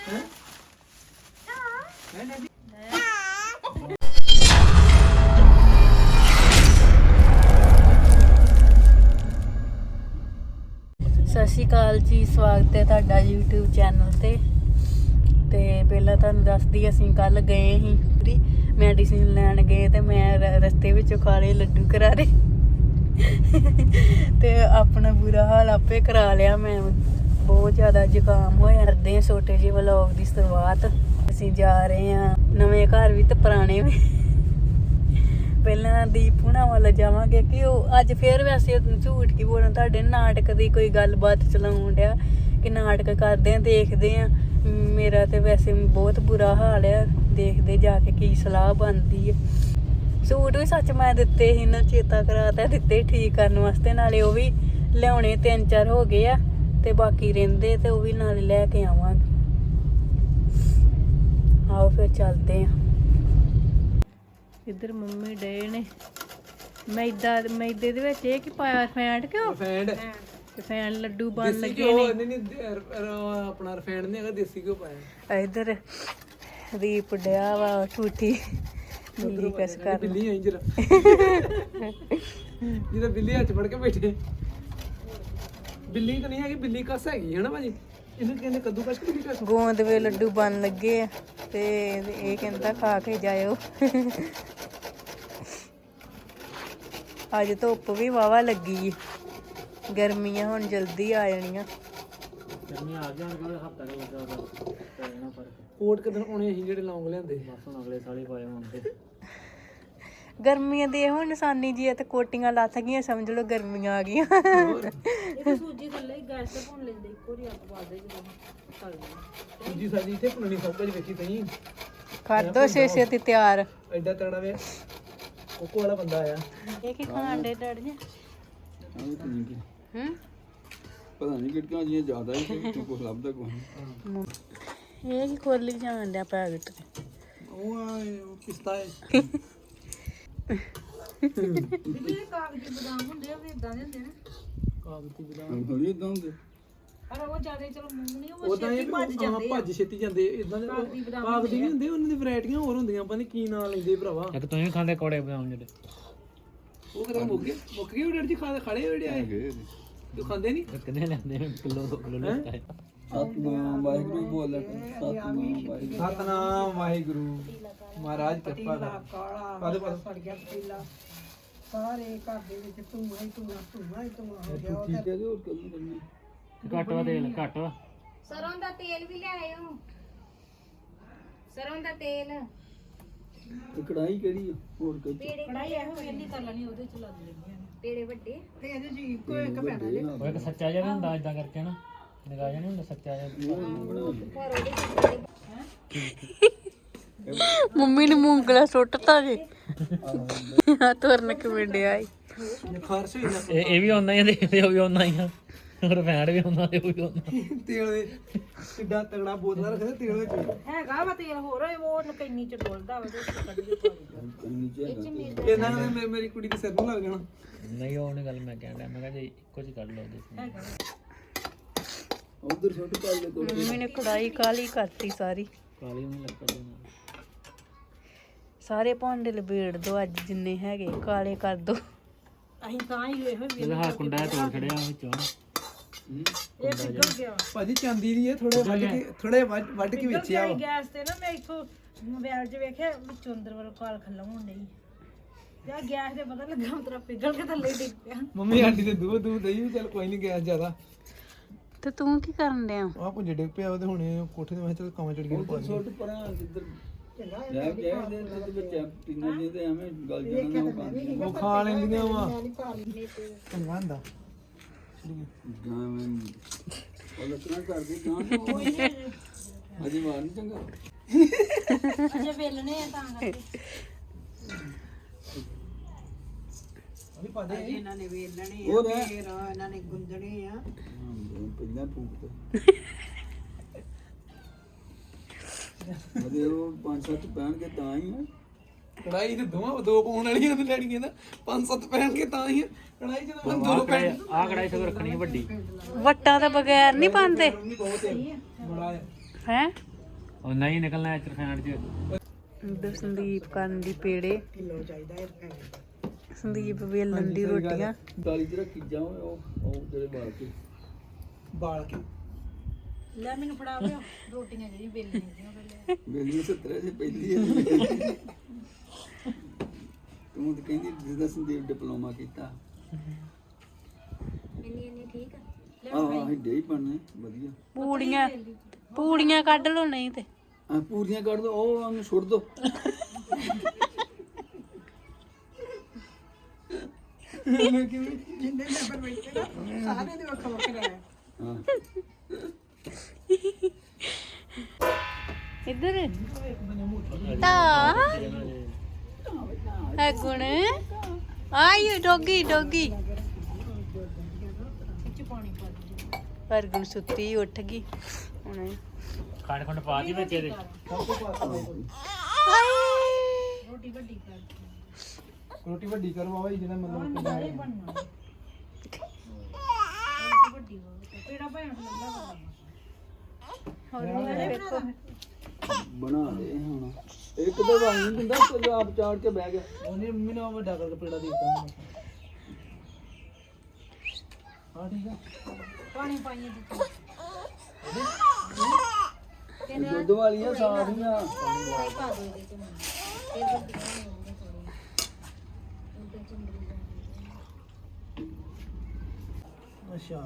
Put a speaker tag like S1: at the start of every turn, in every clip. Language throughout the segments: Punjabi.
S1: ਸਤਿ ਸ਼੍ਰੀ ਅਕਾਲ ਜੀ, ਸਵਾਗਤ ਹੈ ਤੁਹਾਡਾ YouTube ਚੈਨਲ ਤੇ ਪਹਿਲਾਂ ਤੁਹਾਨੂੰ ਦੱਸਦੀ, ਅਸੀਂ ਕੱਲ ਗਏ ਸੀ ਮੈਡੀਸਿਨ ਲੈਣ ਗਏ ਤੇ ਮੈਂ ਰਸਤੇ ਵਿੱਚੋਂ ਖਾ ਲਏ ਲੱਡੂ ਕਰਾਰੇ ਤੇ ਆਪਣਾ ਬੁਰਾ ਹਾਲ ਆਪੇ ਕਰਾ ਲਿਆ। ਮੈਂ ਬਹੁਤ ਜ਼ਿਆਦਾ ਜ਼ੁਕਾਮ ਹੋਇਆ। ਕਰਦੇ ਹਾਂ ਛੋਟੇ ਜਿਹੇ ਵਲੌਗ ਦੀ ਸ਼ੁਰੂਆਤ। ਅਸੀਂ ਜਾ ਰਹੇ ਹਾਂ ਨਵੇਂ ਘਰ ਵੀ ਤੇ ਪੁਰਾਣੇ ਵੀ। ਪਹਿਲਾਂ ਦੀਪ ਹੁਣਾਂ ਵੱਲ ਜਾਵਾਂਗੇ ਕਿ ਉਹ ਅੱਜ ਫੇਰ ਵੈਸੇ ਝੂਠ ਕੀ ਬੋਲਣਾ, ਤੁਹਾਡੇ ਨਾਟਕ ਦੀ ਕੋਈ ਗੱਲਬਾਤ ਚਲਾਉਣ ਡਿਆ ਕਿ ਨਾਟਕ ਕਰਦੇ ਆ, ਦੇਖਦੇ ਆ। ਮੇਰਾ ਤੇ ਵੈਸੇ ਬਹੁਤ ਬੁਰਾ ਹਾਲ ਆ, ਦੇਖਦੇ ਜਾ ਕੇ ਕੀ ਸਲਾਹ ਬਣਦੀ ਹੈ। ਸੂਟ ਵੀ ਸੱਚ ਮੈਂ ਦਿੱਤੇ ਸੀ ਨਾ, ਚੇਤਾ ਕਰਾਤਾ ਦਿੱਤੇ ਠੀਕ ਕਰਨ ਵਾਸਤੇ। ਨਾਲੇ ਉਹ ਵੀ ਲਿਆਉਣੇ 3-4 ਹੋ ਗਏ ਆ ਤੇ ਬਾਕੀ ਰਹਿੰਦੇ ਤੇ ਉਹ ਵੀ ਨਾਲੇ ਲੈ ਕੇ ਆਵਾਂਗੇ। ਆਓ ਫਿਰ ਚੱਲਦੇ ਆ। ਇੱਧਰ ਮੰਮੀ ਡੇ ਨੇ ਮੈਦੇ ਦੇ ਵਿੱਚ ਇਹ ਕੀ ਪਾਇਆ? ਫੈਂਟ ਕਿਉਂ? ਫੈਂਟ ਲੱਡੂ ਬਣ ਲੱਗੇ ਨੇ।
S2: ਨਹੀਂ ਆਪਣਾ ਰਿਫਾਈਂਡ ਨਹੀਂ ਹੈਗਾ, ਦੇਸੀ ਘਿਓ ਪਾਇਆ।
S1: ਇੱਧਰ ਰੀਪ ਡਿਆ ਵਾ ਠੂਠੀ ਬਿੱਲੀ ਕਸ ਕਰ।
S2: ਬਿੱਲੀ ਆਈ ਜਰਾ ਜਿਹਦਾ ਬਿੱਲੀ ਹੱਥ ਫੜ ਕੇ ਬੈਠੇ। ਬਿੱਲੀ ਤਾਂ ਨਹੀਂ ਹੈਗੀ, ਬਿੱਲੀ ਕਸ ਹੈਗੀ ਹੈ ਨਾ ਭਾਜੀ। ਇਹਨੂੰ ਕਹਿੰਦੇ ਕੱਦੂ ਕਸ ਕਿ ਕਸ।
S1: ਗੋਂਦ ਵੇ ਲੱਡੂ ਬਣ ਲੱਗੇ ਆ ਤੇ ਇਹ ਕਹਿੰਦਾ ਖਾ ਕੇ ਜਾਇਓ। ਅੱਜ ਧੁੱਪ ਵੀ ਵਾਵਾ ਲੱਗੀ, ਗਰਮੀਆਂ ਹੁਣ ਜਲਦੀ ਆ ਜਾਣੀਆਂ।
S2: ਗਰਮੀਆਂ ਆ ਜਾਣਗੀਆਂ, ਹਫਤਾ ਕੁ ਲੱਗਾ ਪੈਣਾ ਫਰਕ। ਕੋਟ ਕਿਦਨ ਆਉਣੇ ਅਸੀਂ ਜਿਹੜੇ ਲੌਂਗ ਲਿਆਂਦੇ, ਬਸ ਹੁਣ ਅਗਲੇ ਸਾਲ ਹੀ ਪਾਏ ਹੁਣ ਤੇ।
S1: ਗਰਮੀਆਂ ਦੇ ਹੁਣ ਨਿਸ਼ਾਨੀ ਜੀ ਤੇ ਕੋਟੀਆਂ ਲੱਥ ਗਈਆਂ, ਸਮਝ ਲਓ ਗਰਮੀਆਂ ਆ ਗਈਆਂ।
S3: ਸੂਜੀ ਥੱਲੇ ਗੈਸ ਤੇ ਭੁੰਨ ਲੈਂਦੇ, ਇੱਕੋ ਹੀ ਅੱਗ ਪਾ ਦੇ ਜਦੋਂ ਤਲ ਦੇ।
S2: ਸੂਜੀ ਸਾਡੀ ਇੱਥੇ ਪੁੰਨਣੀ ਸਭ ਕੁਝ ਵੇਖੀ ਤਈ।
S1: ਕਰ ਦੋ ਛੇ ਤਿਆਰ।
S2: ਐਡਾ ਤਗੜਾ ਵੇ ਕੋਕੋ ਵਾਲਾ ਬੰਦਾ ਆਇਆ।
S1: ਇਹ ਕੀ ਖਾਣ ਦੇ ਡੜ ਜੀ?
S4: ਪਤਾ ਨਹੀਂ ਕਿਹੜੀਆਂ ਜੀਆਂ ਜ਼ਿਆਦਾ ਹੀ ਕੁਝ ਲੱਭਦਾ ਕੋਈ।
S1: ਇਹ ਕੀ ਖੋਲੀ ਜਾਣ ਡਿਆ ਪੈਕਟ ਤੇ?
S2: ਉਹ ਪਿਸਤਾ ਹੈ।
S3: ਜਿਹੜੇ ਕਾਗਜ਼ੀ ਬਦਾਮ ਹੁੰਦੇ ਆ ਵੀ ਇਦਾਂ ਦੇ ਹੁੰਦੇ ਨੇ।
S2: ਕਾਗਜ਼ੀ ਬਦਾਮ
S4: ਥੋੜੀ ਇਦਾਂ ਹੁੰਦੇ,
S3: ਪਰ ਉਹ ਜ਼ਿਆਦਾ ਚਲੋ ਮੂੰਗਣੀ ਉਹ
S2: ਉਦਾਂ
S3: ਛੇਤੀ ਭੱਜ ਜਾਂਦੇ ਆ।
S2: ਭੱਜ ਛੇਤੀ ਜਾਂਦੇ ਇਦਾਂ ਦੇ। ਕਾਗਜ਼ੀ ਨਹੀਂ ਹੁੰਦੇ, ਉਹਨਾਂ ਦੀ ਵੈਰਾਈਟੀਆਂ ਹੋਰ ਹੁੰਦੀਆਂ। ਪਤਾ ਨਹੀਂ ਕੀ ਨਾਂ ਲੈਂਦੇ ਭਰਾਵਾ।
S5: ਇੱਕ ਤੁਸੀਂ ਖਾਂਦੇ ਕੋੜੇ ਬਦਾਮ ਜਿਹੜੇ
S2: ਉਹ ਕਿਹੜਾ ਮੁੱਕ ਗਏ ਉਹ ਡੇਢ ਜੀ ਖੜੇ ਹੋਏ ਆਏ। ਤੂੰ ਖਾਂਦੇ ਨਹੀਂ?
S5: ਕਿੰਨੇ ਲੈਂਦੇ ਕਿਲੋ 2 ਕਿਲੋ ਲੈਂਦਾ ਹੈ।
S4: ਸਤਨਾਮ ਵਾਹਿਗੁਰੂ ਬੋਲ ਸਤਨਾਮ ਵਾਹਿਗੁਰੂ।
S2: ਸਤਨਾਮ ਵਾਹਿਗੁਰੂ ਮਹਾਰਾਜ ਕਿਰਪਾ ਕਰ। ਪਾਦੇ
S6: ਸੜ ਗਿਆ ਪਤੀਲਾ, ਸਾਰੇ ਘਰ ਦੇ ਵਿੱਚ ਧੂਆਂ ਹੀ ਹੋ ਗਿਆ।
S4: ਠੀਕ ਹੈ ਜੀ, ਹੋਰ ਕੱਲ ਕਰਨੀ
S5: ਘੱਟ ਵਾ ਤੇਲ, ਘੱਟ ਵਾ।
S3: ਸਰੋਂ ਦਾ ਤੇਲ ਵੀ ਲਿਆਇਓ, ਸਰੋਂ ਦਾ ਤੇਲ।
S4: ਤੇ ਕੜਾਈ ਕਿਹੜੀ ਆ? ਹੋਰ ਕੱਲ
S3: ਕੜਾਈ ਇਹੋ ਵੇਲੀ ਕਰ ਲੈਣੀ, ਉਹਦੇ ਚ ਲੱਗ ਲੈਣੀਆਂ ਨੇ ਪੇੜੇ ਵੱਡੇ।
S6: ਤੇ ਇਹਦੇ ਚ ਇੱਕੋ ਇੱਕ ਪੈਣਾ ਜੇ।
S5: ਉਹ ਇੱਕ ਸੱਚਾ ਜਿਹਾ ਵੀ ਹੁੰਦਾ ਇਦਾਂ ਕਰਕੇ ਨਾ, ਨਿਗਾਹ ਜਿਹਾ ਨਹੀਂ ਹੁੰਦਾ ਸੱਚਾ ਜਿਹਾ।
S1: ਮੰਮੀ ਨੇ ਮੂੰਗਲਾ ਸੁੱਟਤਾ ਜੀ। ਆ ਤੁਰਨ ਕਿਵੇਂ ਡਿਆ ਈ।
S2: ਖਾਰਸ਼ ਹੋਈ ਨਾ
S5: ਇਹ ਵੀ ਆਉਂਦਾ ਹੀ ਤੇ ਉਹ ਵੀ ਆਉਂਦਾ ਹੀ ਆ, ਰਫੈਂਡ ਵੀ ਆਉਂਦਾ ਤੇ ਉਹ ਵੀ ਆਉਂਦਾ।
S2: ਤੇਲ ਦੇ ਕਿੱਡਾ ਤਗੜਾ ਬੋਤਲਾਂ ਰੱਖਦੇ ਤੇਲ ਵਿੱਚ।
S3: ਹੈਗਾ ਵਾ ਤੇਲ ਹੋਰ, ਉਹ ਨਕੈਨੀ ਚ ਡੋਲਦਾ ਵਾ ਤੇ ਕੱਢ ਕੇ ਪਾ
S2: ਇਹਨਾਂ ਨੇ ਮੇਰੀ ਕੁੜੀ ਦੇ ਸਿਰ ਨੂੰ ਲੱਗ ਜਾਣਾ।
S5: ਨਹੀਂ ਉਹ ਨਹੀਂ ਗੱਲ ਮੈਂ ਕਹਿੰਦਾ, ਮੈਂ ਕਿਹਾ ਜੀ ਇੱਕੋ ਚ ਕੱਢ ਲਓ ਉਹਦੇ।
S4: ਉਧਰ ਛੋਟੇ ਪਾਲੇ ਤੋਂ
S1: ਮੰਮੀ ਨੇ ਕੜਾਈ ਕਾਲੀ ਕਰਤੀ ਸਾਰੀ।
S5: ਕਾਲੀ ਨੂੰ ਲੱਗ ਪੜਦਾ।
S1: ਸਾਰੇ ਭਾਂਡੇ ਲਬੇੜ ਦੋ ਅੱਜ, ਜਿੰਨੇ ਹੈਗੇ ਕਾਲੇ ਕਰ ਦੋ।
S3: ਅਸੀਂ ਤਾਂ ਹੀ ਇਹੋ
S5: ਇਹਦਾ ਹਾ ਕੁੰਡਾ ਤੋੜ ਖੜਿਆ ਵਿੱਚੋਂ।
S3: ਇਹ ਪਿਗਲ ਗਿਆ।
S2: ਭਾਜੀ ਚਾਂਦੀ ਦੀ ਹੈ, ਥੋੜੇ ਵੱਢ ਕੇ ਵੇਚਿਆ ਵਾ।
S3: ਗੈਸ ਤੇ ਨਾ ਮੈਂ ਇੱਥੋਂ ਮੋਬਾਈਲ 'ਚ ਵੇਖਿਆ ਵਿੱਚੋਂ ਅੰਦਰ ਵੱਲ ਕਾਲ ਖੱਲਾ ਹੋਣ ਡਈ। ਯਾਰ ਗੈਸ ਦੇ ਪਤਾ ਲੱਗਾ ਉਤਰਾ ਪਿਗਲ ਕੇ ਥੱਲੇ ਡਿੱਗ ਪਿਆ।
S2: ਮੰਮੀ ਆਂਟੀ ਤੇ ਦੂਧ ਦਈ, ਚੱਲ ਕੋਈ ਨਹੀਂ ਗੈਸ ਜ਼ਿਆਦਾ।
S1: ਤੇ ਤੂੰ ਕੀ ਕਰਨ ਡਿਆ?
S2: ਆ ਪੁੰਜੇ ਡਿੱਗ ਪਿਆ ਉਹਦੇ ਹੁਣੇ ਕੋਠੇ ਤੇ। ਮੈਂ ਚੱਲ ਕੰਮ ਚੜ ਗਿਆ।
S4: ਛੋਟ ਪਰਾਂ ਜਿੱਧਰ ਲੈ ਕੇ ਦੇ ਤੇ ਵਿੱਚ ਟਿੰਗਾਂ ਦੇ ਤੇ ਐਵੇਂ ਗਲ ਜਾਣਾ ਨਾ ਖਾਂਦੇ।
S2: ਉਹ ਖਾ ਲੈਂਦੀਆਂ ਵਾ ਚੰਗਾ ਹੁੰਦਾ।
S4: ਗਾਂ ਉਹ ਲੱਕੜਾਂ ਕਰਦੇ ਗਾਂ ਅਜੇ ਮਾਰ ਨਹੀਂ ਚੰਗਾ।
S3: ਅਜੇ ਵੇਲਣੇ ਆ ਤਾਂ ਕਰਕੇ।
S2: ਅਭੀ ਪਾਦੇ
S6: ਇਹਨਾਂ ਨੇ ਵੇਲਣੇ
S4: ਉਹ
S6: ਆ, ਫੇਰ ਇਹਨਾਂ ਨੇ ਗੁੰਦਣੇ ਆ।
S4: ਪਹਿਲਾਂ ਫੂਕ ਅਜੇ ਉਹ 5-7 ਪੈਣਗੇ ਤਾਂ ਹੀ ਆ।
S2: ਕੜਾਈ ਤੇ ਦੋ ਪਾਉਣ ਵਾਲੀਆਂ ਤੇ ਲੈਣੀਆਂ ਨਾ 5-7 ਪੈਣਗੇ ਤਾਂ ਹੀ। ਕੜਾਈ ਜਦੋਂ ਮੈਂ 2 ਪੈਣ।
S5: ਆਹ ਕੜਾਈ ਸਗੋਂ ਰੱਖਣੀ ਵੱਡੀ।
S1: ਵੱਟਾਂ ਤੋਂ ਬਗੈਰ ਨਹੀਂ ਪਾਉਂਦੇ
S2: ਬੜਾ
S1: ਹੈ।
S5: ਉਹ ਨਹੀਂ ਨਿਕਲਣਾ ਇੱਧਰ ਫੈਂਡ 'ਚ
S1: ਇੱਧਰ ਸੰਦੀਪ ਕਰਨ ਦੀ ਪੇੜੇ,
S6: ਕਿਲੋ ਚਾਹੀਦਾ ਇਹ ਪੈਸੇ
S1: ਸੰਦੀਪ ਵੇਲਣ ਦੀ ਰੋਟੀਆਂ।
S4: ਦਾਲੀ ਚ ਰੱਖੀ ਜਾਓ ਉਹ ਜਿਹੜੇ ਬਾਲ ਕੇ
S6: ਬਾਲ ਕੇ
S3: ਲੈ ਮੈਨੂੰ ਫੜਾ ਲਿਓ ਰੋਟੀਆਂ ਜਿਹੜੀ ਵੇਲਣੀਆਂ ਦੀਆਂ ਪਹਿਲੇ
S4: ਮੇਰੀ 70 ਸੇ ਪਹਿਲੀ ਹੈ ਤੂੰ ਤਾਂ ਕਹਿੰਦੀ ਜਿੱਦਾਂ ਸੰਦੀਪ ਡਿਪਲੋਮਾ ਕੀਤਾ
S3: ਇੰਨੀ ਠੀਕ ਆ
S4: ਆਹ ਹਿੱਡੇ ਹੀ ਬਣਨੇ ਵਧੀਆ
S1: ਪੂੜੀਆਂ ਕੱਢ ਲਓ ਨਹੀਂ ਤੇ
S4: ਆ ਪੂਰੀਆਂ ਕੱਢ ਦੋ ਉਹ ਉਹਨੂੰ ਸੁੱਟ ਦੋ
S6: ਜਿੰਨੇ ਮੈਂਬਰ ਬੈਠੇ ਨਾ ਸਾਰੇ ਦੇ ਵੱਖ ਵੱਖ ਰਹਿ
S4: ਹਾਂ
S1: ਇੱਧਰ ਤਾਂ ਹੈ ਗੁਣ ਆਈ ਡੋਗੀ ਪਰ ਗੁਣ ਸੁੱਤੀ ਉੱਠ ਗਈ ਹੁਣ
S5: ਖੰਡ ਖੰਡ ਪਾ ਦੀ ਵਿੱਚ ਇਹਦੇ
S2: ਰੋਟੀ ਵੱਡੀ ਕਰੋ ਬਾਬਾ ਜੀ ਜਿਹਦਾ ਮਤਲਬ
S4: ਬਣਾ ਦੇ ਹੁਣ ਇੱਕ ਤਾਂ ਵਾਈ ਨਹੀਂ ਦਿੰਦਾ ਕੋਈ ਆਪ ਚਾੜ ਕੇ ਬਹਿ ਗਿਆ
S2: ਉਹਨੇ ਮੰਮੀ ਨੇ ਵੱਡਾ ਕਰਕੇ ਪੇੜਾ ਦੇ ਦਿੱਤਾ ਹਾਂ ਠੀਕ ਆ
S3: ਪਾਣੀ ਪਾਈਏ ਦਿੱਤੀ
S4: ਦੁੱਧ ਵਾਲੀਆਂ ਸਾਰੀਆਂ
S3: ਪਾ ਦੋ ਇਹਦੇ ਚ ਫਿਰ ਵੱਡੀਆਂ ਹੋਣਗੀਆਂ ਥੋੜੀਆਂ ਉਹਦੇ ਚੁੰਦਰੀ
S2: ਅੱਛਾ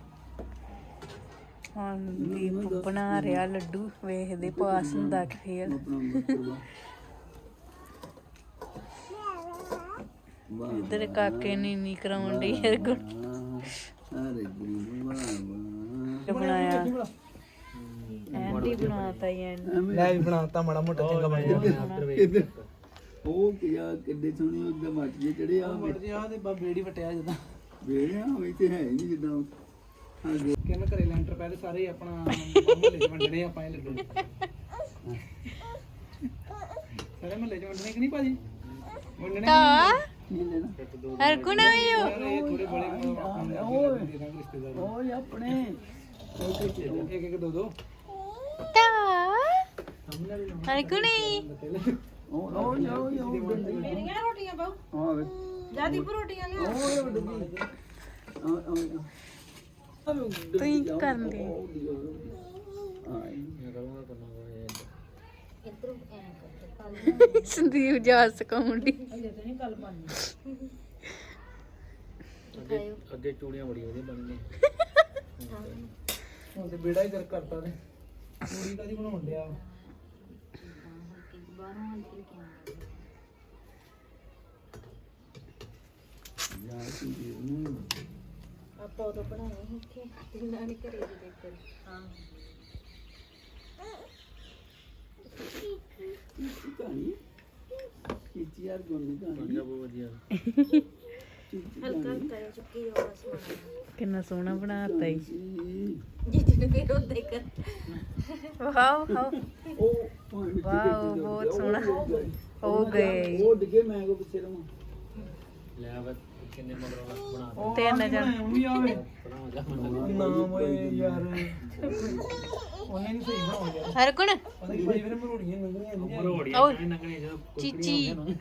S1: ਹੁਣ ਦੀਪ ਬਣਾ ਰਿਹਾ ਲੱਡੂ, ਵੇਖਦੇ ਪਾਸ ਹੁੰਦਾ ਕਿ ਫੇਲ।
S4: ਆਪਣਾ ਮਤਲਬ
S1: ਇੱਧਰ ਕਾਕੇ ਨੀਨੀ ਕਰਾਉਣ ਡਈ ਹੈ ਗੁਣ
S4: ਅਰੇ ਗੁਰੂ ਵਾਹ
S1: ਬਣਾਇਆ ਐਂਡੀ ਬਣਾਤਾ ਹੀ ਐਂਡੀ
S2: ਲੈ ਵੀ ਬਣਾਤਾ ਮਾੜਾ ਮੋਟਾ ਚੰਗਾ ਬਣ ਗਿਆ
S4: ਇੱਧਰ ਉਹ ਕਿਆ ਕਿੱਡੇ ਸੋਹਣੇ ਉਹਦਾ ਮੱਟ ਜੇ ਚੜੇ ਆ
S2: ਆ ਤੇ ਬੇੜੀ ਵਟਿਆ ਜਦਾਂ
S4: ਵੇੜਿਆ ਹੋਈ ਤੇ ਹੈ ਹੀ ਨਹੀਂ ਜਿੱਦਾਂ
S2: ਕਿਵੇਂ ਘਰੇ ਲੈਂਟਰ ਪਹਿਲੇ ਸਾਰੇ ਆਪਣਾ ਮਹੱਲੇ ਚ ਵੰਡਣੇ ਆਪਾਂ ਇਹ ਲੱਡੂ ਸਾਰੇ ਮਹੱਲੇ ਚ ਵੰਡਣੇ ਕਿ ਨਹੀਂ ਭਾਜੀ ਵੰਡਣੇ
S4: ਕੀ ਲੈਣਾ
S1: ਹਰ ਗੁਣ ਆਇਓ
S2: ਯਾਰ ਇਹ ਥੋੜੇ ਬੜੇ ਦੇ ਦਾਂਗੇ ਰਿਸ਼ਤੇਦਾਰ
S4: ਓਏ ਆਪਣੇ
S2: ਇੱਕ ਇੱਕ ਦੋ ਦੋ
S1: ਤਾ ਹਰ ਗੁਣੀ
S4: ਉਹ ਜਾਓ
S3: ਮੇਰੀਆਂ ਰੋਟੀਆਂ ਪਾਓ
S4: ਹਾਂ ਵੇ
S3: ਜਿਆਦੀ ਰੋਟੀਆਂ ਲਿਆ
S4: ਓਏ ਵੱਡੀ
S1: ਤੁਸੀਂ ਕੀ ਕਰਨ ਦੇ
S3: ਇਧਰੋਂ ਐ ਕਰ
S1: ਸੰਦੀਪ ਜਾ ਸਕਾਉਂਦੀ
S3: ਹਲੇ ਤੇ ਨਹੀਂ ਕੱਲ ਪਾਣੀ
S5: ਅੱਗੇ ਚੂੜੀਆਂ ਬੜੀ ਵਧੀਆ ਬਣਦੀਆਂ
S2: ਹੁਣ ਤੇ ਬੇੜਾ ਹੀ ਕਰ ਕਰਤਾ ਨੇ ਪੂਰੀ ਕਾਦੀ ਬਣਾਉਣ ਡਿਆ
S3: ਬਾਹਰੋਂ ਹਲਕੀ
S4: ਯਾਰ ਸੰਦੀਪ ਨੂੰ
S3: ਆਪਾਂ ਉਹ ਬਣਾਏ ਸੀ ਇੱਥੇ ਤਿੰਨਾਂ ਨੇ ਘਰੇ ਦੇ ਦਿੱਤੇ ਹਾਂ
S4: ਕਹਾਣੀ ਕੀਤੀ ਯਾਰ ਗੋਨੀ ਕਹਾਣੀ
S5: ਬਹੁਤ ਵਧੀਆ
S3: ਹਲਕਾ ਹਲਕਾ ਜਿਹਾ ਚੁੱਕੀ ਜਾਓ ਬਸ
S1: ਕਿੰਨਾ ਸੋਹਣਾ ਬਣਾਤਾ ਈ
S3: ਜਿੱਦ ਨੂੰ ਫਿਰ ਉਹਦੇ ਕਰ
S1: ਵਾਓ
S4: ਉਹ
S1: ਵਾਓ ਬਹੁਤ ਸੋਹਣਾ ਹੋ ਗਏ
S4: ਉਹ ਡਿੱਗੇ ਮੈਂ ਕੋ ਪਿੱਛੇ ਰਵਾਂ
S5: ਲੈ ਵਾ ਕਿੰਨੇ ਮਗਰੋਂ ਬਣਾ
S1: ਤਿੰਨ ਜਣ
S2: ਵੀ ਆਵੇ
S5: ਬਣਾ ਜਾ
S2: ਨਾਮ ਓਏ ਯਾਰ ਉਹਨੇ ਨਹੀਂ ਸਹੀ ਬਣਾਉ ਯਾਰ
S1: ਹਰ ਗੁਣ
S2: ਪਤਾ ਕੀ ਭਾਈ ਫਿਰ ਮਰੋੜੀਆਂ ਲੰਗਣੀਆਂ ਨਹੀਂ
S5: ਰੋੜੀਆਂ ਕਿੰਨੀ ਨੰਗਣੀ ਜਦੋਂ
S1: ਚੀਚੀ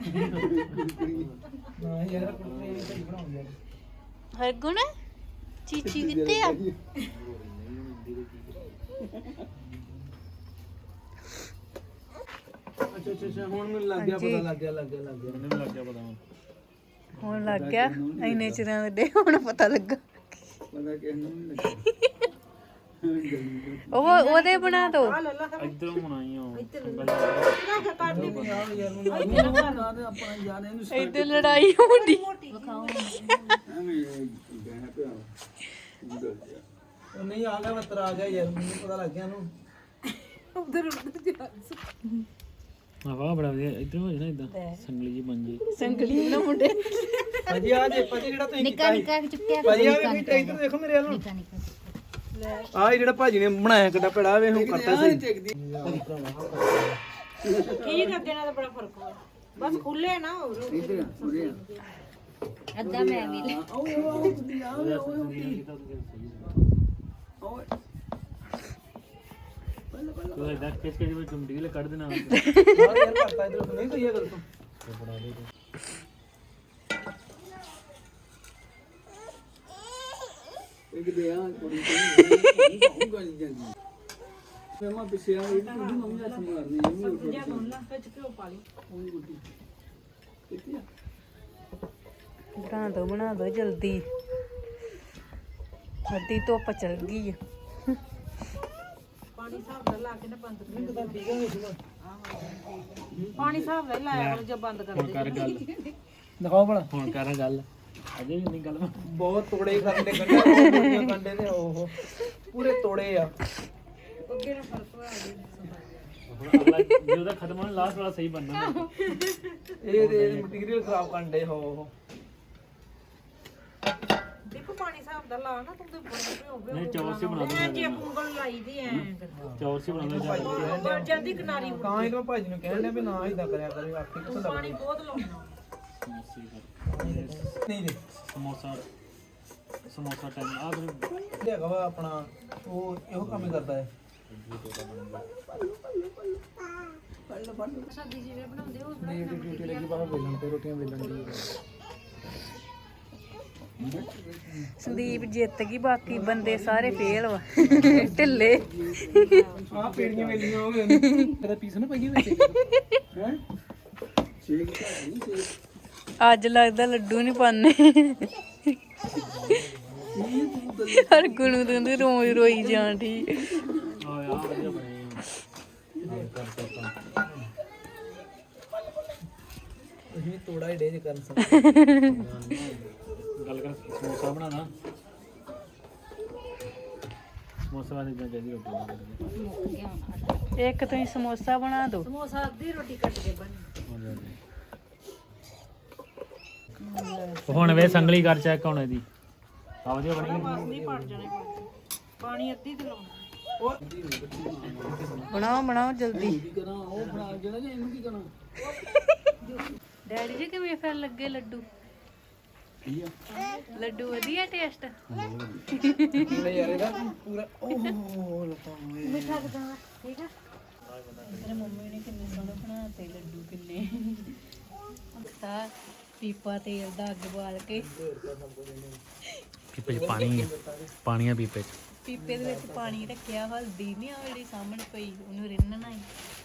S2: ਨਾ ਯਾਰ ਕੁੜਤੇ ਨਹੀਂ ਸਹੀ ਬਣਾਉ ਯਾਰ
S1: ਹਰ ਗੁਣ ਚੀਚੀ ਕਿੱਥੇ ਆ
S2: ਅੱਛਾ ਹੁਣ ਮੈਨੂੰ ਲੱਗ ਗਿਆ ਪਤਾ ਲੱਗ ਗਿਆ
S5: ਮੈਨੂੰ ਵੀ ਲੱਗ ਗਿਆ ਪਤਾ
S1: ਹੁਣ ਲੱਗ ਗਿਆ ਇੰਨੇ ਚਿਰਾਂ ਦੇ ਹੁਣ ਪਤਾ ਲੱਗਾ
S4: ਪਤਾ ਕਿਸ ਨੂੰ ਨਹੀਂ ਲੱਗਾ
S1: ਉਹਦੇ ਬਣਾ ਦੋ
S5: ਇੱਧਰੋਂ ਹੁਣ ਆਈ ਹਾਂ
S4: ਆਪਣਾ ਯਾਰ ਇਹਨੂੰ
S1: ਇੱਧਰ ਲੜਾਈ ਹੁੰਦੀ
S4: ਐਵੇਂ ਬਹਿ ਪਿਆ
S2: ਉਹ ਨਹੀਂ ਆ ਗਿਆ ਮਤਰ ਆ ਗਿਆ ਯਾਰ ਮੈਨੂੰ ਪਤਾ ਲੱਗ ਗਿਆ ਉਹਨੂੰ
S5: ਵਾਹ ਬੜਾ ਵਧੀਆ ਇੱਧਰੋਂ ਹੋ ਜਾਣਾ ਇਦਾਂ ਸੰਗਲੀ ਜੀ ਬਣ ਜੇ
S1: ਸੰਗਲੀ ਨਾ ਮੁੰਡੇ
S2: ਭਾਜੀ ਆ ਜੇ ਭਾਜੀ ਜਿਹੜਾ ਤੁਸੀਂ ਕੀਤਾ
S3: ਨਿੱਕਾ ਚੁੱਕਿਆ
S2: ਭਾਜੀ ਆ ਵੀ ਇੱਧਰ ਦੇਖੋ ਮੇਰੇ ਵੱਲ ਆ ਜਿਹੜਾ ਭਾਜੀ ਨੇ ਬਣਾਇਆ ਕਿੱਡਾ ਪੜਾ ਵੇ ਹੁਣ ਕਰਤਾ ਸਹੀ
S3: ਕੀ ਕਰਦੇ ਨਾਲ ਬੜਾ ਫਰਕ ਹੋਇਆ ਬਸ ਖੁੱਲੇ ਨਾ ਹੋਰ
S4: ਇੱਧਰ ਉਰੇ
S3: ਅੱਧਾ ਮੈਂ ਵੀ ਲੈ
S4: ਓਏ
S5: ਤੂੰ ਇਦਾਂ ਖਿੱਚ ਕੇ ਜਿਵੇਂ ਚੁੰਮਟੀ ਕੱਢ ਦੇਣਾ
S2: ਯਾਰ ਕਰਤਾ ਇਧਰ ਨਹੀਂ ਕੋਈ ਗੱਲ ਤੂੰ
S5: ਬਣਾ ਦੇ ਤੂੰ
S4: ਇੱਕ ਦੇ ਆ ਕੁੜੀ ਤੇ ਗਾਲੀ ਜਾਂਦੀ ਮੈਂ ਮਾ ਪਿੱਛੇ ਆ ਇਹ ਕੁੜੀ ਮੰਮੀ ਹੱਥ ਮਾਰਨੀ ਇਹ ਵੀ ਉੱਠ
S3: ਜਿਆ ਬੋਲ ਲਾ ਵਿੱਚ ਘਿਓ ਪਾ ਲਈ
S4: ਉਹ ਗੁੱਡੀ ਕਿੱਥੇ ਆ
S1: ਬਣਾ ਦੋ ਜਲਦੀ ਅੱਧੀ ਧੁੱਪ ਚਲ ਗਈ ਆ
S3: ਪਾਣੀ ਹਿਸਾਬ ਨਾਲ ਲਾ ਕੇ ਨਾ ਬੰਦ ਕਰ ਦੇ ਪਾਣੀ ਹਿਸਾਬ ਨਾਲ ਹੀ ਲਾਇਆ ਕਰੋ ਜੇ ਬੰਦ ਕਰ
S5: ਹੁਣ
S3: ਦੇ
S5: ਕਰ ਗੱਲ
S2: ਦਿਖਾਓ ਭਲਾ
S5: ਹੁਣ ਕਰ ਗੱਲ ਅਜੇ ਵੀ ਨਹੀਂ ਗੱਲ
S2: ਬਹੁਤ ਤੋੜੇ ਕਰਦੇ ਕੰਡੇ ਕੰਡੇ ਨੇ ਉਹ ਪੂਰੇ ਤੋੜੇ ਆ
S3: ਅੱਗੇ ਨੂੰ ਫਰਕ ਹੋਇਆ ਜੀ
S5: ਹੁਣ ਅਗਲਾ ਜੇ ਉਹਦਾ ਖਤਮ ਹੋਣਾ ਲਾਸਟ ਵਾਲਾ ਸਹੀ ਬਣਨਾ
S2: ਇਹ ਮਟੀਰੀਅਲ ਖਰਾਬ ਕਰਦੇ ਹੋ
S3: ਦੇਖੋ ਪਾਣੀ ਹਿਸਾਬ ਦਾ ਲਾ ਨਾ ਤੂੰ ਤੇ ਬੜੇ
S5: ਨਹੀਂ ਚੌਰ ਸੀ ਬਣਾ ਦੋ
S3: ਜੇ ਉਂਗਲ ਲਾਈ ਦੀ ਐ
S5: ਚੌਰ ਸੀ ਬਣਾ ਦੋ
S3: ਪਰ ਜਾਂਦੀ ਕਿਨਾਰੀ
S2: ਤਾਂ ਇਹਨੂੰ ਭਾਜੀ ਨੂੰ ਕਹਿਣ ਡਿਆ ਵੀ ਨਾ ਇਦਾਂ ਕਰਿਆ ਕਰੇ ਆਖੀ ਕਿੱਥੋਂ ਲੱਗ
S3: ਪਾਣੀ ਬਹੁਤ ਲਾਉਣਾ
S2: ਨਹੀਂ ਦੇ
S5: ਸਮੋਸਾ ਟਾਈਮ ਆ ਫਿਰ
S2: ਹੈਗਾ ਵਾ ਆਪਣਾ ਉਹ ਇਹੋ ਕੰਮ ਹੀ ਕਰਦਾ ਹੈ
S3: ਸਬਜ਼ੀ ਜਿਹੜੇ ਬਣਾਉਂਦੇ ਉਹ
S2: ਨਹੀਂ ਡਿਊਟੀ ਲੱਗੀ ਬਾਹਰ ਵੇਲਣ ਤੇ ਰੋਟੀਆਂ ਵੇਲਣ ਦੀ
S1: ਸੰਦੀਪ ਜਿੱਤ ਗਈ ਬਾਕੀ ਬੰਦੇ ਸਾਰੇ ਫੇਲ ਵਾ ਢਿੱਲੇ
S2: ਆ ਪੇੜੀਆਂ ਵੇਲੀਆਂ ਹੋ ਗਈਆਂ ਇਹਦਾ ਪੀਸ ਨਾ ਪਈਏ ਵਿੱਚ ਹੈ
S4: ਸ਼ੇਕ ਨਹੀਂ ਸ਼ੇਕ
S1: ਅੱਜ ਲੱਗਦਾ ਲੱਡੂ ਨਹੀਂ ਪਾਣੇ ਹਰ ਗੁਣੂ ਦੰਦ ਰੋਈ ਜਾਣ ਦੀ
S5: ਆ ਯਾਰ ਵਧੀਆ ਬਣੇ
S2: ਤੁਸੀਂ ਤੋੜਾ ਹੀ ਡੇ ਕਰਨ ਸਕ
S5: ਗੱਲ ਕਰ ਸਮੋਸਾ ਬਣਾਣਾ ਸਮੋਸਾ ਵਾਲੀ ਤਾਂ ਜਿਹੜੀ ਰੋਟੀ
S1: ਇੱਕ ਤੁਸੀਂ ਸਮੋਸਾ ਬਣਾ ਦਿਓ
S3: ਸਮੋਸਾ ਅੱਧੀ ਰੋਟੀ ਕੱਟ ਕੇ ਬਣੀ
S5: ਹੁਣ ਵੇ ਸੰਗਲੀ ਕਰ ਚੈੱਕ ਹੁਣ ਇਹਦੀ ਆ ਵਧੀਆ ਬਣੀ
S3: ਬਸ ਨਹੀਂ ਪੜ ਜਾਣੇ ਪਾਣੀ ਅੱਧੀ ਤੇ ਲਾਉਣਾ
S1: ਬਣਾਓ ਜਲਦੀ
S4: ਕੀ ਕਰਾਂ ਉਹ ਬਣਾ ਜਿਹੜਾ ਜੇ ਇਹਨੂੰ ਕੀ ਕਰਾਂ
S1: ਡੈਡੀ ਜੀ ਕਿਵੇਂ ਫਿਰ ਲੱਗੇ ਲੱਡੂ
S4: ਕੀ ਆ
S1: ਲੱਡੂ ਵਧੀਆ ਟੇਸਟ
S2: ਨਹੀਂ ਯਾਰ ਇਹਦਾ ਪੂਰਾ ਓਹ ਲੱਤਾਂ
S3: ਮਿੱਠਾ ਕਿਦਾਂ ਠੀਕ ਆ
S1: ਮੇਰੇ ਮੰਮੀ ਨੇ ਕਿੰਨੇ ਸੋਹਣੇ ਬਣਾਤੇ ਲੱਡੂ ਕਿੰਨੇ ਤਾਂ ਪੀਪਾ ਤੇਲ ਦਾ ਅੱਗ ਬਾਲ ਕੇ
S5: ਪੀਪੇ 'ਚ ਪਾਣੀ ਆ ਪੀਪੇ 'ਚ
S1: ਪੀਪੇ ਦੇ ਵਿੱਚ ਪਾਣੀ ਰੱਖਿਆ ਹਲਦੀ ਨਹੀਂ ਆ ਜਿਹੜੀ ਸਾਹਮਣੇ ਪਈ ਉਹਨੂੰ ਰਿੰਨਣਾ ਹੀ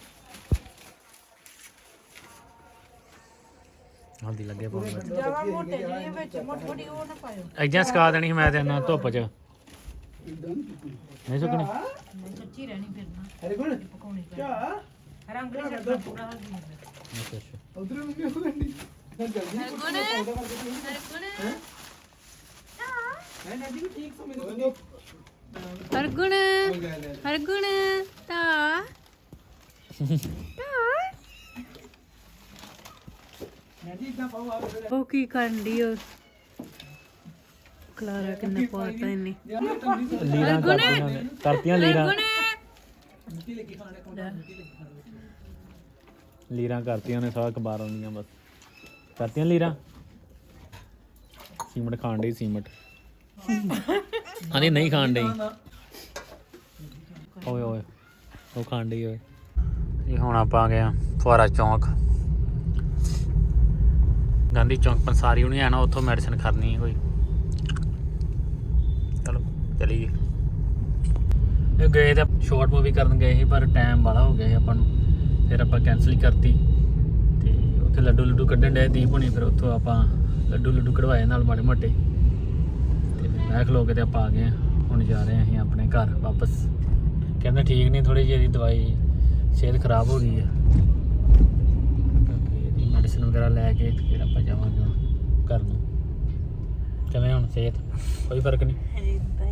S5: ਹਲਦੀ ਲੱਗੇ ਪਾਉਣ
S3: ਜਿਆਦਾ ਮੋਟੇ ਜਿਹੇ ਵਿੱਚ ਮੋਟੀ ਉਹ ਨਾ ਪਾਇਓ
S5: ਐਜਾਂ ਸਕਾ ਦੇਣੀ ਸੀ ਮੈਂ ਤੇ ਨਾ ਧੁੱਪ 'ਚ ਨਹੀਂ ਸੁੱਕਣੀ
S3: ਨਹੀਂ ਕੱਚੀ ਰਹਿਣੀ ਫਿਰ ਨਾ
S2: ਅਰੇ ਕੋਣ
S3: ਪਕਾਉਣੀ
S2: ਕਿਆ
S3: ਰੰਗ ਨਹੀਂ ਛੱਡਣਾ ਪੂਰਾ ਹਲਦੀ ਹੁੰਦਾ
S5: ਅੱਛਾ ਅੱਛਾ
S2: ਉਧਰ ਮੰਮੀ ਉਹ ਗੰਡੀ ਮੈਂ ਜਲਦੀ ਮੈਂ ਨਹੀਂ ਠੀਕ ਸਮਝ ਲਓ
S1: ਹਰਗੁਣ ਹਰਗੁਣ ਤਾ
S2: ਮੈਂ ਜੀ ਇਦਾਂ ਪਾਉ ਆ
S1: ਉਹ ਕੀ ਕਰਨ ਦੀ ਉਹ ਕਲਾਰਾ ਕਿੰਨਾ ਪਾਤਾ ਇਹਨੇ
S5: ਲੀਰਾਂ ਕਰਤੀਆਂ ਲੀਰਾਂ ਲੀਰਾਂ ਕਰਤੀਆਂ ਨੇ ਸਾਰਾ ਕਬਾਰ ਆਉਂਦੀਆਂ ਬਸ ਕਰਤੀਆਂ ਲੀਰਾਂ ਸੀਮਟ ਖਾਣ ਡਈ ਸੀਮਟ ਨਹੀਂ ਖਾਣ ਡਈ ਓਏ ਓਏ ਉਹ ਖਾਣ ਡਈ ਓਏ ਇਹ ਹੁਣ ਆਪਾਂ ਆ ਗਏ ਆ ਫੁਆਰਾ ਚੌਂਕ ਗਾਂਧੀ ਚੌਂਕ ਪੰਸਾਰੀ ਹੁਣੀ ਆਣਾ ਉੱਥੋਂ ਮੈਡੀਸਨ ਖਰਨੀ ਕੋਈ ਚਲੋ ਚਲੀਏ ਇਹ ਗਏ ਤਾਂ ਸ਼ਾਰਟ ਮੂਵੀ ਕਰਨ ਗਏ ਸੀ ਪਰ ਟਾਈਮ ਬਾਲਾ ਹੋ ਗਿਆ ਸੀ ਆਪਾਂ ਨੂੰ ਫਿਰ ਆਪਾਂ ਕੈਂਸਲ ਹੀ ਕਰਤੀ ਤੇ ਉੱਥੇ ਲੱਡੂ ਕੱਢਣ ਡਏ ਦੀਪ ਹੋਣੀ ਫਿਰ ਉੱਥੋਂ ਆਪਾਂ ਲੱਡੂ ਕਢਵਾਏ ਨਾਲ ਮਾੜੇ ਮੋਟੇ ਤੇ ਮੈਂ ਖਲੋ ਕੇ ਤੇ ਆਪਾਂ ਆ ਗਏ ਹਾਂ। ਹੁਣ ਜਾ ਰਹੇ ਹਾਂ ਅਸੀਂ ਆਪਣੇ ਘਰ ਵਾਪਸ ਕਹਿੰਦੇ ਠੀਕ ਨਹੀਂ ਥੋੜੀ ਜਿਹੀ ਇਹਦੀ ਦਵਾਈ ਸਿਹਤ ਖਰਾਬ ਹੋ ਗਈ ਹੈ ਕਿਉਂਕਿ ਇਹਦੀ ਮੈਡੀਸਿਨ ਵਗੈਰਾ ਲੈ ਕੇ ਫਿਰ ਆਪਾਂ ਜਾਵਾਂਗੇ ਹੁਣ ਘਰ ਨੂੰ ਕਿਵੇਂ ਹੁਣ ਸਿਹਤ ਕੋਈ ਫਰਕ ਨਹੀਂ
S1: ਇਦਾਂ ਹੀ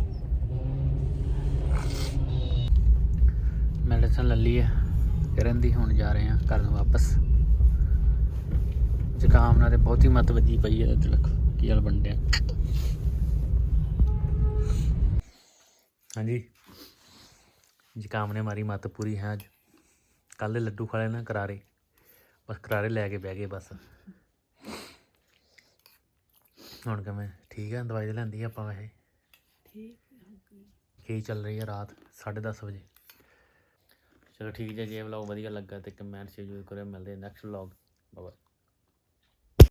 S5: ਮੈਡੀਸਨ ਲੈ ਲਈ ਹੈ ਕਰਨ ਦੀ ਹੁਣ ਜਾ ਰਹੇ ਹਾਂ ਘਰ ਨੂੰ ਵਾਪਸ ਜ਼ੁਕਾਮ ਨਾਲ ਤੇ ਬਹੁਤੀ ਮੱਤ ਵੱਜੀ ਪਈ ਹੈ ਤਿਲਕ ਕੀ ਹਾਲ ਬਣ ਡਿਆ ਹਾਂਜੀ ਜ਼ੁਕਾਮ ਨੇ ਮਾਰੀ ਮੱਤ ਪੂਰੀ ਹੈ ਅੱਜ ਕੱਲ ਦੇ ਲੱਡੂ ਖਾ ਲਏ ਨਾ ਕਰਾਰੇ ਬਸ ਕਰਾਰੇ ਲੈ ਕੇ ਬਹਿ ਗਏ ਬਸ ਹੁਣ ਕਿਵੇਂ ਠੀਕ ਹੈ ਦਵਾਈ ਲੈਂਦੀ ਆਪਾਂ ਵੈਸੇ ਠੀਕ ਕੀ ਚੱਲ ਰਹੀ ਹੈ ਰਾਤ 10:30 ਵਜੇ ਚਲੋ ਠੀਕ ਜੇ ਵਲੌਗ ਵਧੀਆ ਲੱਗਾ ਤੇ ਕਮੈਂਟ ਸ਼ੇਅਰ ਜ਼ਰੂਰ ਕਰਿਓ। ਮਿਲਦੇ ਨੈਕਸਟ ਵਲੌਗ। ਬਾਏ।